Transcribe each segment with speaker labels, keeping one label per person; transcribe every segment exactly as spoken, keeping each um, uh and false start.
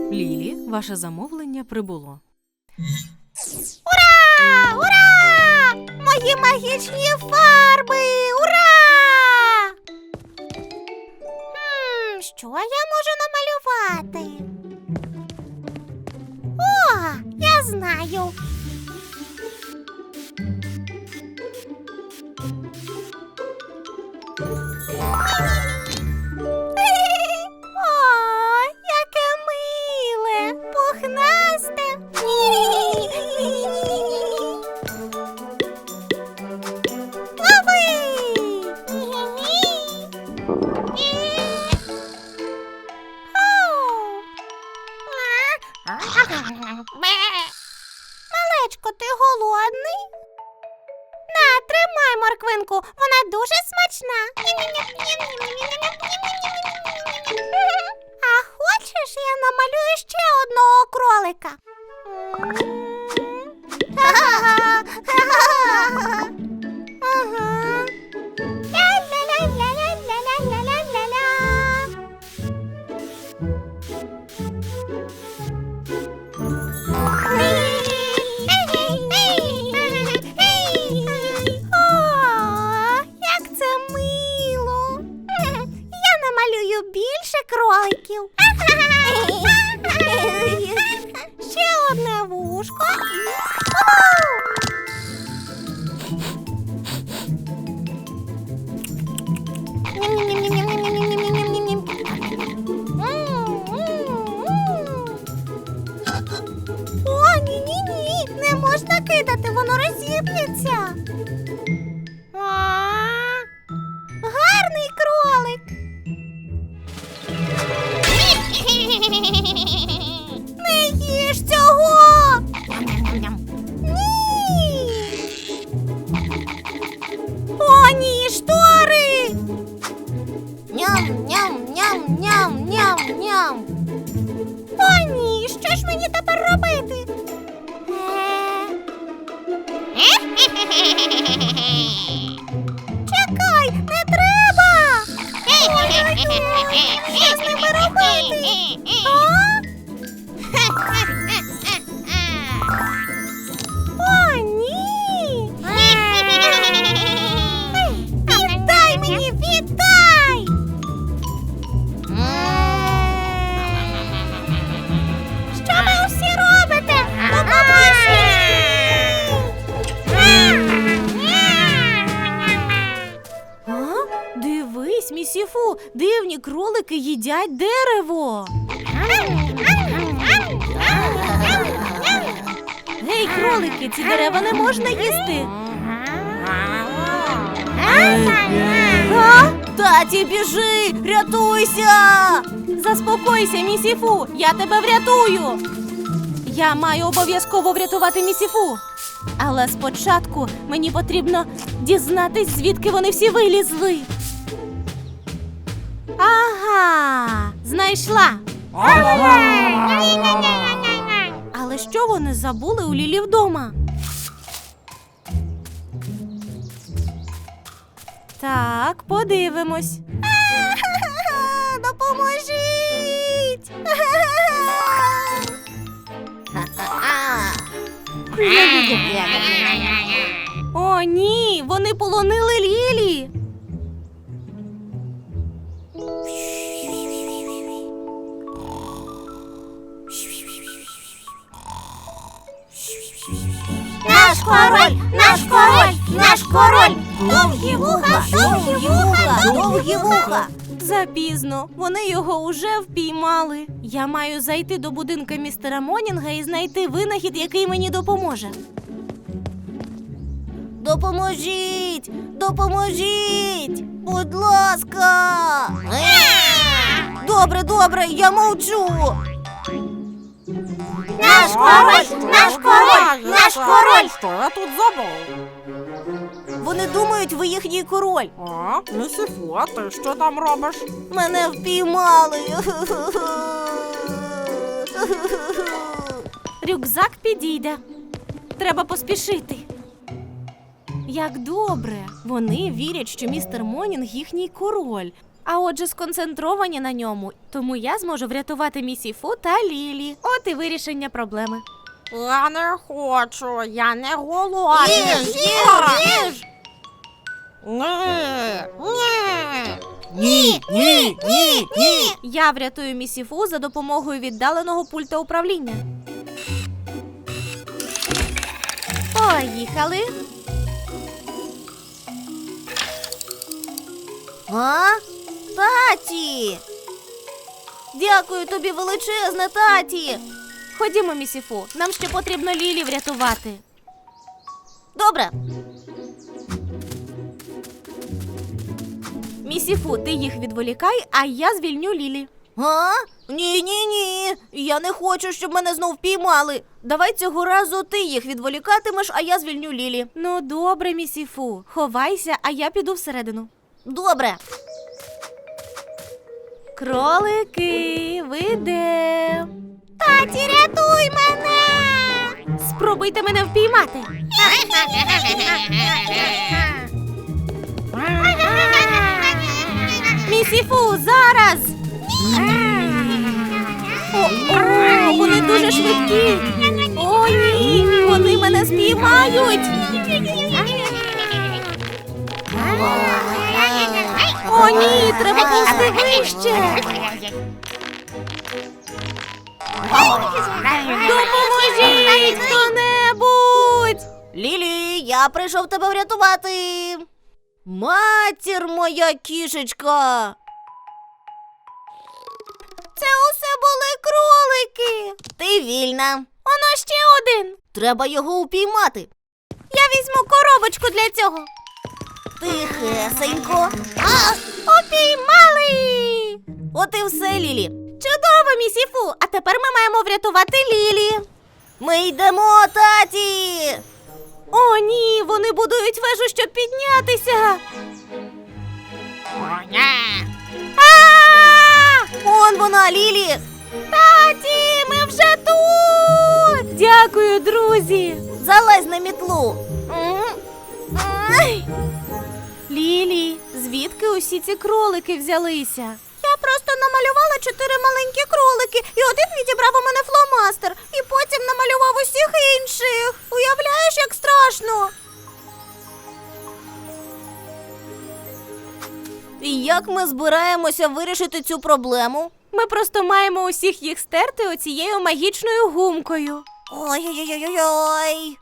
Speaker 1: Лілі, ваше замовлення прибуло.
Speaker 2: Ура! Ура! Мої магічні фарби! Ура! Хм, що я можу намалювати? О, я знаю. О, яке миле, пухнасте. Лови! Малечко, ти голодний? На, тримай морквинку, вона дуже смачна. А хочеш, я намалюю ще одного кролика? Ага. Ля-ля-ля-ля-ля-ля-ля-ля-ля. О, як це мило. Я намалюю більше кроликів. Ще одне вушко. О, ні-ні-ні, не можна кидати, воно розіб'ється. Гарний кролик. Не їж цього. Ні. О, ні, штори. Ням-ням-ням-ням-ням-ням. О, ні, що ж мені тепер робити? Чекай, не треба! Ой-ой-ой, що з ними робити? А? О, ні! Віддай мені, віддай! Що ви усі робите? Допоможіть!
Speaker 1: А? Дивись, місіфу, дивні кролики їдять дерево. Гей, кролики, ці дерева не можна їсти. А? Таті, біжи, рятуйся! Заспокойся, місіфу, я тебе врятую. Я маю обов'язково врятувати місіфу. Але спочатку мені потрібно дізнатись, звідки вони всі вилізли. Ага, знайшла. Але що вони забули у Лілі вдома? Так, подивимось.
Speaker 2: Допоможіть!
Speaker 1: О, ні, вони полонили Лілі.
Speaker 2: Наш король, наш король, наш король! Довгі вуха, довгі вуха, довгі вуха!
Speaker 1: Запізно, вони його уже впіймали. Я маю зайти до будинка містера Монінга і знайти винахід, який мені допоможе.
Speaker 2: Допоможіть! Допоможіть! Будь ласка! Добре, добре, я мовчу! Наш король! Наш король! Наш король!
Speaker 3: Що я тут забув?
Speaker 2: Вони думають, ви їхній король.
Speaker 3: А, місіфу, а ти що там робиш?
Speaker 2: Мене впіймали.
Speaker 1: Рюкзак підійде. Треба поспішити. Як добре. Вони вірять, що містер Монінг їхній король. а отже сконцентровані на ньому. Тому я зможу врятувати місіфу та Лілі. От і вирішення проблеми.
Speaker 3: Я не хочу, я не голодний.
Speaker 2: Їж, їж, їж!
Speaker 3: Ні, ні.
Speaker 2: Ні, ні, ні, ні!
Speaker 1: Я врятую місіфу за допомогою віддаленого пульта управління. Поїхали.
Speaker 2: А? Таті! Дякую тобі величезне, таті!
Speaker 1: Ходімо, місіфу, нам ще потрібно Лілі врятувати.
Speaker 2: Добре.
Speaker 1: Місіфу, ти їх відволікай, а я звільню Лілі.
Speaker 2: А? Ні, ні, ні. Я не хочу, щоб мене знов піймали. Давай цього разу ти їх відволікатимеш, а я звільню Лілі.
Speaker 1: Ну, добре, місіфу. Ховайся, а я піду всередину.
Speaker 2: Добре.
Speaker 1: Кролики, ви де?
Speaker 2: Таті, рятуй мене!
Speaker 1: Спробуйте мене впіймати. Місіфу, зараз! О, о, вони дуже швидкі. О, ні, вони мене спіймають. О, ні, треба повзти вище. Допоможіть хто-небудь!
Speaker 2: Лілі, я прийшов тебе врятувати. Матір моя кішечка. Це усе були кролики. Ти вільна.
Speaker 1: Воно ще один.
Speaker 2: Треба його упіймати.
Speaker 1: Я візьму коробочку для цього.
Speaker 2: Тихесенько.
Speaker 1: А, упіймали!
Speaker 2: От і все, Лілі.
Speaker 1: Чудово, місіфу! А тепер ми маємо врятувати Лілі.
Speaker 2: Ми йдемо, таті.
Speaker 1: О, ні, вони будують вежу, щоб піднятися.
Speaker 3: О, ні.
Speaker 1: А!
Speaker 2: Он вона, Лілі.
Speaker 1: Таті, ми вже тут! Дякую, друзі!
Speaker 2: Залазь на мітлу.
Speaker 1: Ай! Лілі, звідки усі ці кролики взялися?
Speaker 2: Я просто намалювала чотири маленькі кролики, і один відібрав у мене фломастер, і потім намалював усіх інших. Уявляєш, як страшно? І як ми збираємося вирішити цю проблему?
Speaker 1: Ми просто маємо усіх їх стерти оцією магічною гумкою.
Speaker 2: Ой-ой-ой-ой.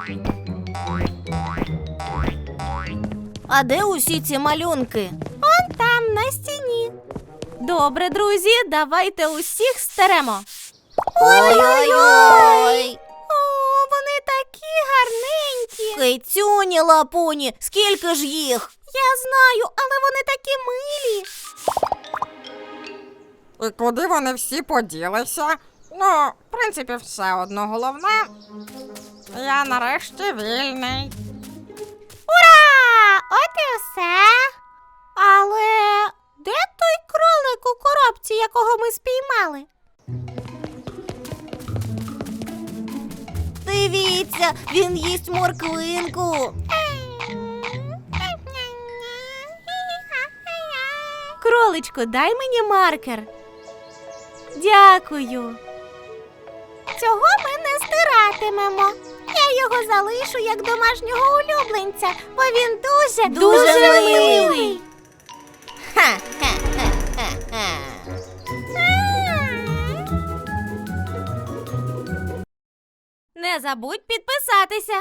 Speaker 2: А де усі ці малюнки?
Speaker 1: Он там, на стіні. Добре, друзі, давайте усіх стеремо.
Speaker 2: Ой-ой-ой.
Speaker 1: О, вони такі гарненькі.
Speaker 2: Кицюні лапуні, скільки ж їх?
Speaker 1: Я знаю, але вони такі милі.
Speaker 3: І куди вони всі поділися? Ну, в принципі, все одно головне. Я нарешті вільний.
Speaker 1: Ура! От і все. Але де той кролик у коробці, якого ми спіймали?
Speaker 2: Дивіться, він їсть морквинку.
Speaker 1: Кроличко, дай мені маркер. Дякую. Цього ми не стиратимемо. Я його залишу як домашнього улюбленця, бо він дуже,
Speaker 2: Дуже милий.
Speaker 1: милий.
Speaker 2: Ха-ха-ха-ха-ха.
Speaker 1: Не забудь підписатися.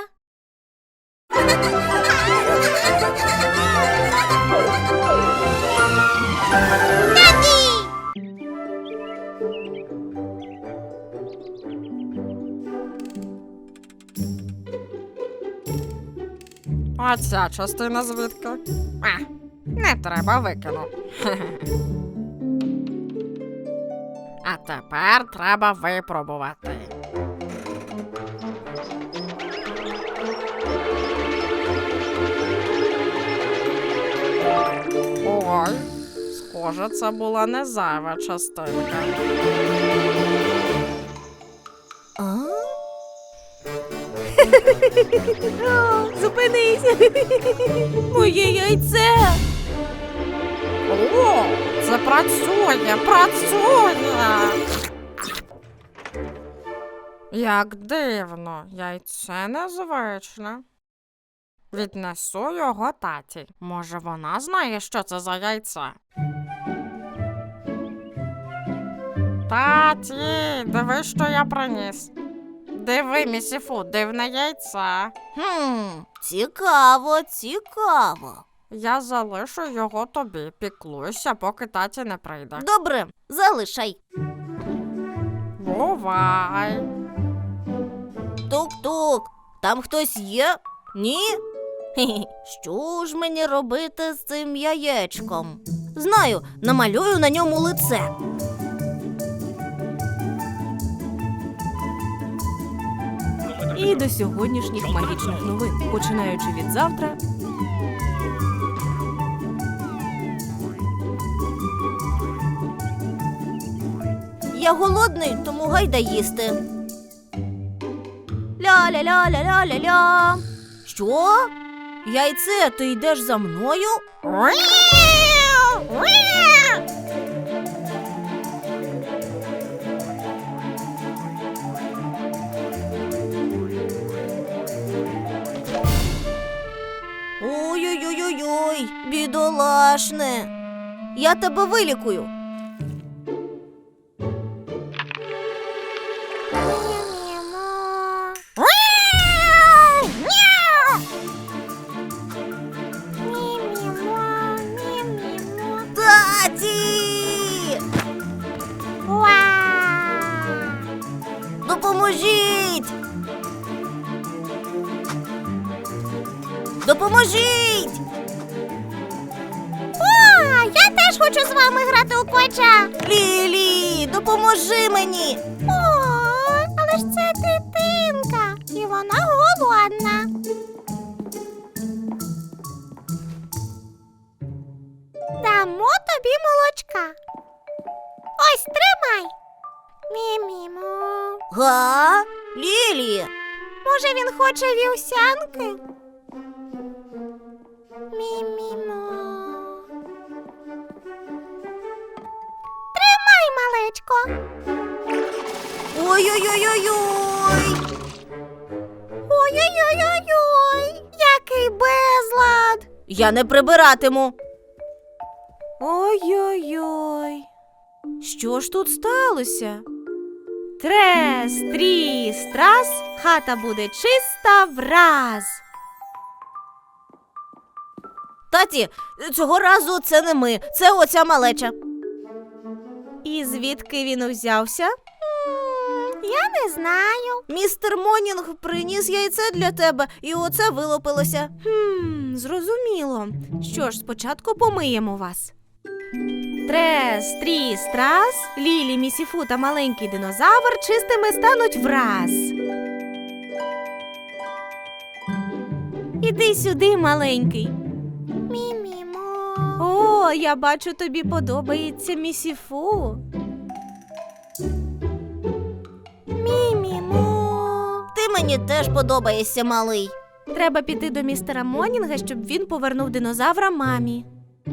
Speaker 3: А ця частина звідки? А, не треба, викину. А тепер треба випробувати. Ой, схоже, це була не зайва частинка.
Speaker 2: А?
Speaker 1: О, зупинись. Моє яйце.
Speaker 3: О, Це працює, працює. Як дивно, яйце незвичне. Віднесу його таті. Може, вона знає, що це за яйце? Таті, диви, що я приніс. Диви, місіфу, дивне яйце.
Speaker 2: Хм, цікаво, цікаво.
Speaker 3: Я залишу його тобі, піклуйся, поки таті не прийде.
Speaker 2: Добре, залишай.
Speaker 3: Бувай.
Speaker 2: Тук-тук, там хтось є? Ні? Хе-хе, що ж мені робити з цим яєчком? Знаю, намалюю на ньому лице.
Speaker 1: І до сьогоднішніх магічних новин, починаючи від завтра.
Speaker 2: Я голодний, тому гайда їсти. Ля-ля-ля-ля-ля-ля-ля. Що? Яйце, ти йдеш за мною? Ой-ой-ой-ой, бідолашне. Я тебе вилікую. Таті! Допоможіть! Допоможіть! О, я теж хочу з вами грати у квача. Лілі, допоможи мені. О, але ж це дитинка, і вона голодна. Дамо тобі молочка. Ось, тримай. Мі-мімо. Га? Лілі. Може, він хоче вівсянки? Мі-мімо. Тримай, малечко. Ой-ой-ой-ой-ой. Ой-ой-ой-ой-ой. Який безлад. Я не прибиратиму.
Speaker 1: Ой-ой-ой. Що ж тут сталося? Трес, тріс, трас, хата буде чиста враз.
Speaker 2: Таті, цього разу це не ми, це оця малеча.
Speaker 1: І звідки він узявся?
Speaker 2: Я не знаю. Містер Монінг приніс яйце для тебе, і оце вилупилося.
Speaker 1: Хм, зрозуміло. Що ж, спочатку помиємо вас. Трес, тріс, трас, Лілі, місіфу та маленький динозавр чистими стануть враз. Іди сюди, маленький.
Speaker 2: Мі-мімо.
Speaker 1: О, я бачу, тобі подобається місіфу.
Speaker 2: Мі-мімо. Ти мені теж подобаєшся, малий.
Speaker 1: Треба піти до містера Монінга, щоб він повернув динозавра мамі.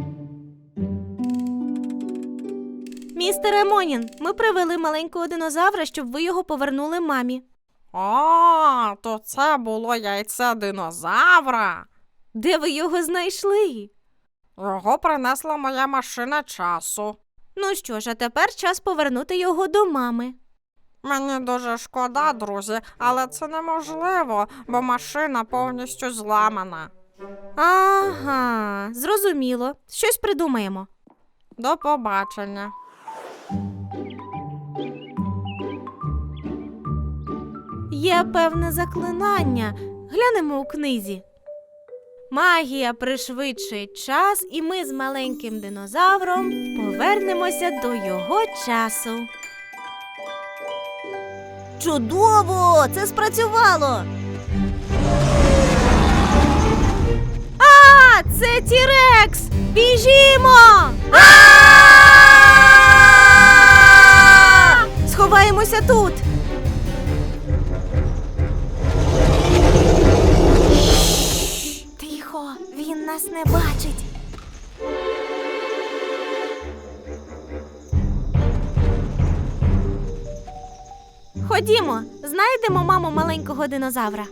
Speaker 1: Містере Монінг, ми привели маленького динозавра, щоб ви його повернули мамі.
Speaker 3: О, то це було яйце динозавра.
Speaker 1: Де ви його знайшли?
Speaker 3: Його принесла моя машина часу.
Speaker 1: Ну що ж, а тепер час повернути його до мами.
Speaker 3: Мені дуже шкода, друзі, але це неможливо, бо машина повністю зламана.
Speaker 1: Ага, зрозуміло. Щось придумаємо.
Speaker 3: До побачення.
Speaker 1: Є певне заклинання. Глянемо у книзі. Магія пришвидшить час, і ми з маленьким динозавром повернемося до його часу.
Speaker 2: Чудово! Це спрацювало!
Speaker 1: А, це Тірекс! Біжімо! Сховаємося тут.
Speaker 2: Тихо, він нас не бачить.
Speaker 1: Ходімо, знайдемо маму маленького динозавра.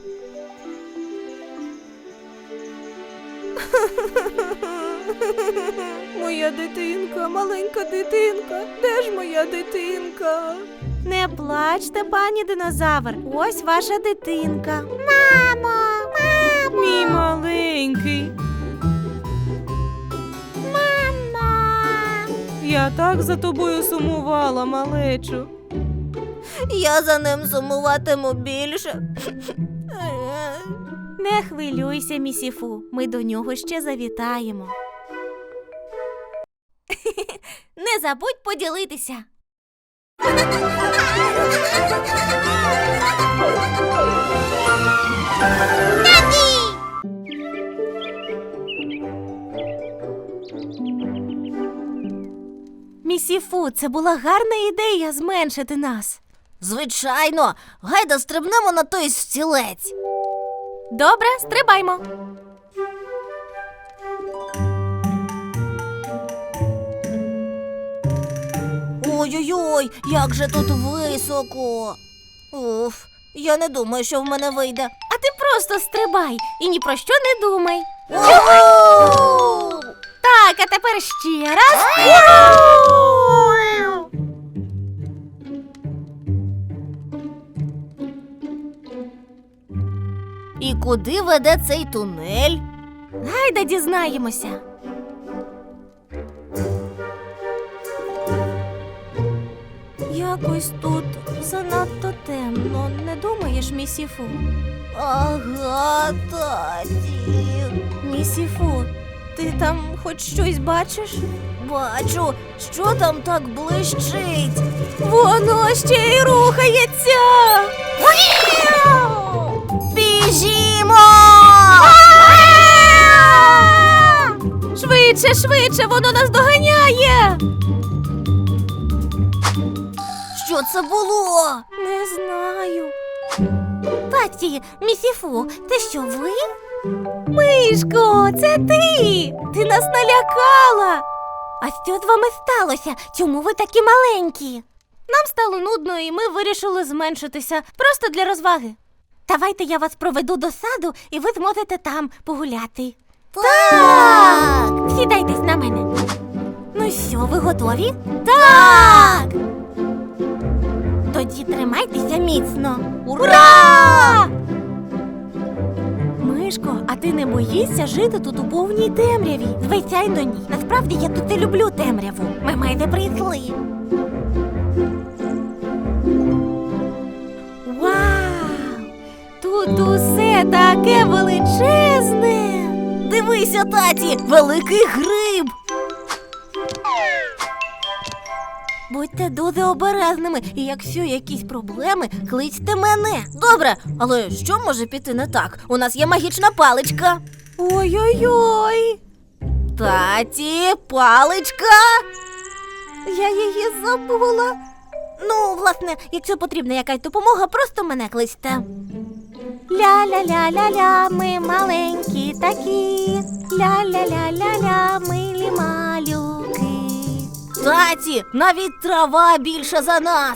Speaker 1: Моя дитинка, маленька дитинка, де ж моя дитинка? Не плачте, пані динозавр, ось ваша дитинка.
Speaker 2: Мамо, мамо,
Speaker 1: Мій маленький.
Speaker 2: мамо.
Speaker 1: Я так за тобою сумувала, малечу.
Speaker 2: Я за ним сумуватиму більше.
Speaker 1: Не хвилюйся, місіфу, ми до нього ще завітаємо. Не забудь поділитися. Місіфу, це була гарна ідея зменшити нас.
Speaker 2: Звичайно, гайда стрибнемо на той стілець.
Speaker 1: Добре, стрибаймо.
Speaker 2: Ой-ой-ой, як же тут високо. Уф, я не думаю, що в мене вийде.
Speaker 1: А ти просто стрибай і ні про що не думай.
Speaker 2: Уху!
Speaker 1: Так, а тепер ще раз.
Speaker 2: І куди веде цей тунель?
Speaker 1: Гайда дізнаємося. Якось тут занадто темно, не думаєш, місіфу?
Speaker 2: Ага, таті.
Speaker 1: Місіфу, ти там хоч щось бачиш?
Speaker 2: Бачу, що там так блищить.
Speaker 1: Воно ще й рухається.
Speaker 2: Біжімо!
Speaker 1: Швидше, швидше, воно нас доганяє.
Speaker 2: Що це було?
Speaker 1: Не знаю.
Speaker 2: Таті, місіфу, це що ви?
Speaker 1: Мишко, це ти! Ти нас налякала!
Speaker 2: А що з вами сталося? Чому ви такі маленькі?
Speaker 1: Нам стало нудно, і ми вирішили зменшитися просто для розваги.
Speaker 2: Давайте я вас проведу до саду, і ви зможете там погуляти.
Speaker 1: Так!
Speaker 2: Сідайтесь на мене. Ну що, ви готові?
Speaker 1: Так!
Speaker 2: Тоді тримайтеся міцно.
Speaker 1: Ура! Мишко, а ти не боїшся жити тут у повній темряві?
Speaker 2: Звичайно, ні. Насправді я тут і люблю темряву. Ми майже прийшли.
Speaker 1: Вау! Тут усе таке величезне!
Speaker 2: Дивися, таті, великий гриб. Будьте дуже обережними, і якщо якісь проблеми, кличте мене. Добре, але що може піти не так? У нас є магічна паличка.
Speaker 1: Ой-ой-ой!
Speaker 2: Таті, паличка.
Speaker 1: Я її забула.
Speaker 2: Ну, власне, якщо потрібна якась допомога, просто мене кличте.
Speaker 1: Ля-ля-ля-ля-ля, ми маленькі такі. Ля-ля-ля-ля-ля, милі малюки.
Speaker 2: Таті, навіть трава більша за нас.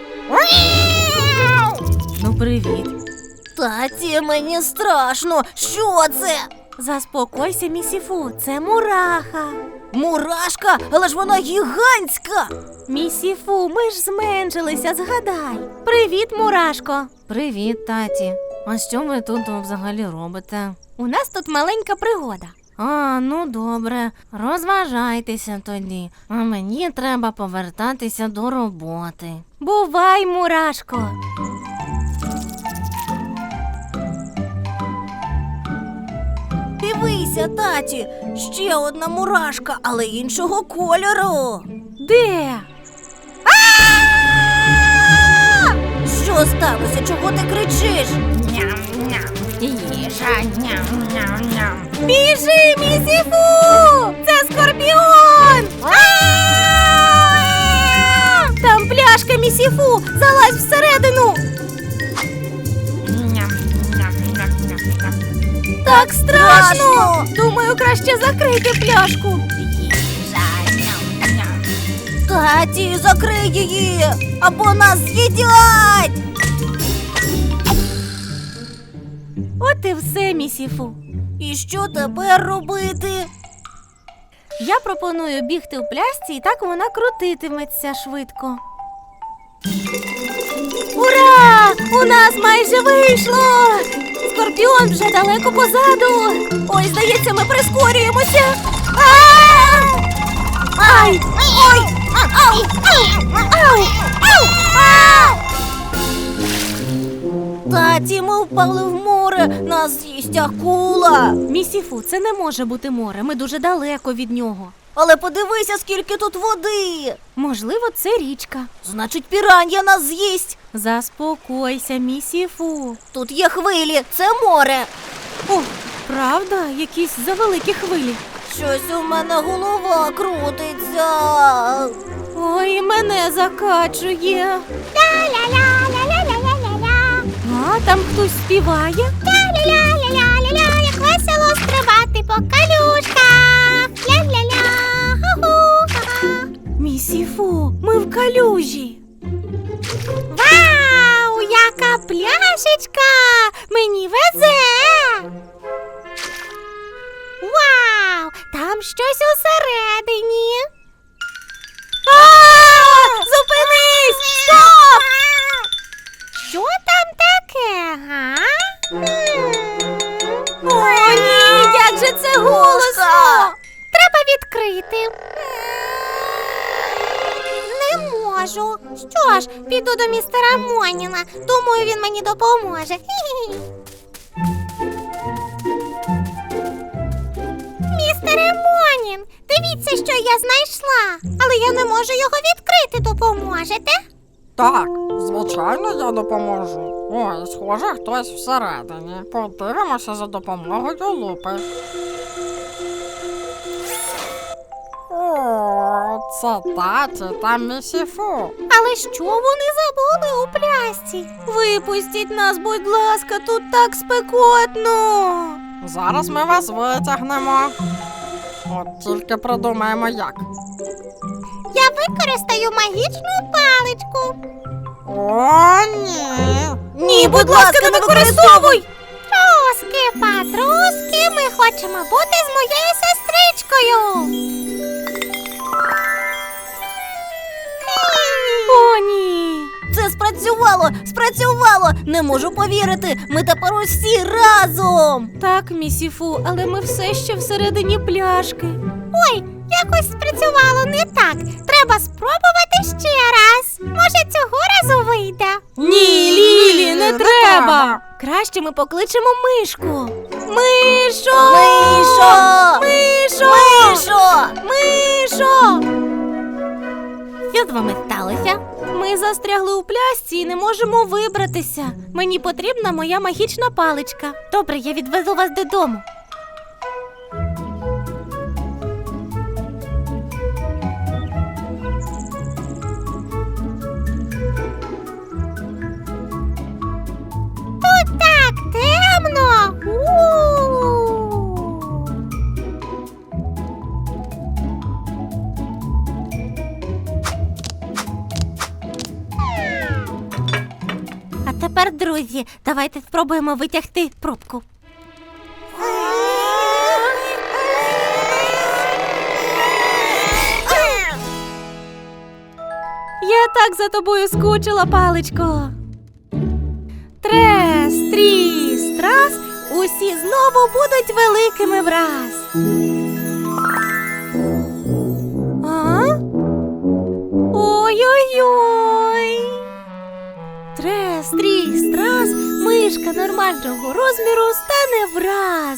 Speaker 1: Ну, привіт.
Speaker 2: Таті, мені страшно. Що це?
Speaker 1: Заспокойся, місіфу, це мураха.
Speaker 2: Мурашка, але ж вона гігантська.
Speaker 1: Місіфу, ми ж зменшилися, згадай. Привіт, мурашко. Привіт, таті. А що ви тут взагалі робите? У нас тут маленька пригода. А, ну добре, розважайтеся тоді. А мені треба повертатися до роботи. Бувай, мурашко.
Speaker 2: Дивися, таті, ще одна мурашка, але іншого кольору.
Speaker 1: Де?
Speaker 2: Що сталося? Чого ти кричиш?
Speaker 3: Їжа, ням-ням-ням.
Speaker 1: Біжи, місіфу! Це скорпіон! Там пляшка, місіфу! Залазь всередину!
Speaker 3: Ням-ням-ням-ням-ням.
Speaker 1: Так страшно!
Speaker 2: Страшно!
Speaker 1: Думаю, краще закрити пляшку.
Speaker 3: Їжа, ням-ням.
Speaker 2: Таті, закрий її, або нас з'їдять!
Speaker 1: От і все, місіфу.
Speaker 2: І що тепер робити?
Speaker 1: Я пропоную бігти в пляшці, і так вона крутитиметься швидко. Ура! У нас майже вийшло! Скорпіон вже далеко позаду. Ой, здається, ми прискорюємося. А! Ай! Ой! Ау! Ау! Ау! Ау!
Speaker 2: Таті, ми впали в море, нас з'їсть акула.
Speaker 1: Місіфу, це не може бути море. Ми дуже далеко від нього.
Speaker 2: Але подивися, скільки тут води.
Speaker 1: Можливо, це річка.
Speaker 2: Значить, піран'я нас з'їсть.
Speaker 1: Заспокойся, місіфу.
Speaker 2: Тут є хвилі, це море.
Speaker 1: О, правда, якісь завеликі хвилі.
Speaker 2: Щось у мене голова крутиться.
Speaker 1: Ой, мене закачує.
Speaker 2: Ля-ля-ля-ля-ля-ля-ля-ля.
Speaker 1: А, там хтось співає.
Speaker 2: Ля-ля-ля-ля-ля-ля, як весело стрибати по калюшках. Ля-ля-ля, ху-ху-ха-ха.
Speaker 1: Місіфу, ми в калюжі.
Speaker 2: Вау, яка пляшечка! Мені везе! Вау, там щось усередині.
Speaker 1: А! Зупинись! Стоп!
Speaker 2: Що там таке, га?
Speaker 1: О, ні, як же це голосно!
Speaker 2: Треба відкрити. Не можу. Що ж, піду до містера Моніна. Думаю, він мені допоможе. Хі-хі. Містере Монін, дивіться, що я знайшла. Але я не можу його відкрити. Допоможете?
Speaker 3: Так, звичайно, я допоможу. Ой, схоже, хтось всередині. Подивимося за допомогою лупи. О, це таті та місіфу.
Speaker 2: Але що вони забули у плясці?
Speaker 1: Випустіть нас, будь ласка, тут так спекотно.
Speaker 3: Зараз ми вас витягнемо. От тільки придумаємо як.
Speaker 2: Я використаю магічну паличку.
Speaker 3: О, ні.
Speaker 1: Ні, будь ласка, не використовуй!
Speaker 2: Труски, патруски, ми хочемо бути з моєю сестричкою.
Speaker 1: О, ні!
Speaker 2: Це спрацювало, спрацювало. Не можу повірити. Ми тепер усі разом.
Speaker 1: Так, місіфу, але ми все ще всередині пляшки.
Speaker 2: Ой, якось спрацювало не так. Треба спробувати ще раз. Може, цього разу вийде.
Speaker 1: Ні, Лілі, не
Speaker 3: не
Speaker 1: треба!
Speaker 3: треба.
Speaker 1: Краще ми покличемо мишку. Мишо!
Speaker 2: Мишо!
Speaker 1: Мишо!
Speaker 2: Мишо!
Speaker 1: Мишо!
Speaker 2: Що з вами сталося?
Speaker 1: Ми застрягли у пляшці і не можемо вибратися. Мені потрібна моя магічна паличка.
Speaker 2: Добре, я відвезу вас додому. Тут так темно. У-у-у.
Speaker 1: А тепер, друзі, давайте спробуємо витягти пробку. Я так за тобою скучила, паличко. Трес, тріс, трас, усі знову будуть великими враз. А? Ой-ой-ой. Трес, тріс, трас, мишка нормального розміру стане враз.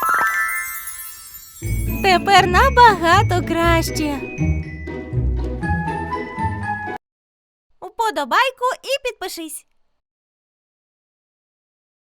Speaker 1: Тепер набагато краще. Уподобайку і підпишись.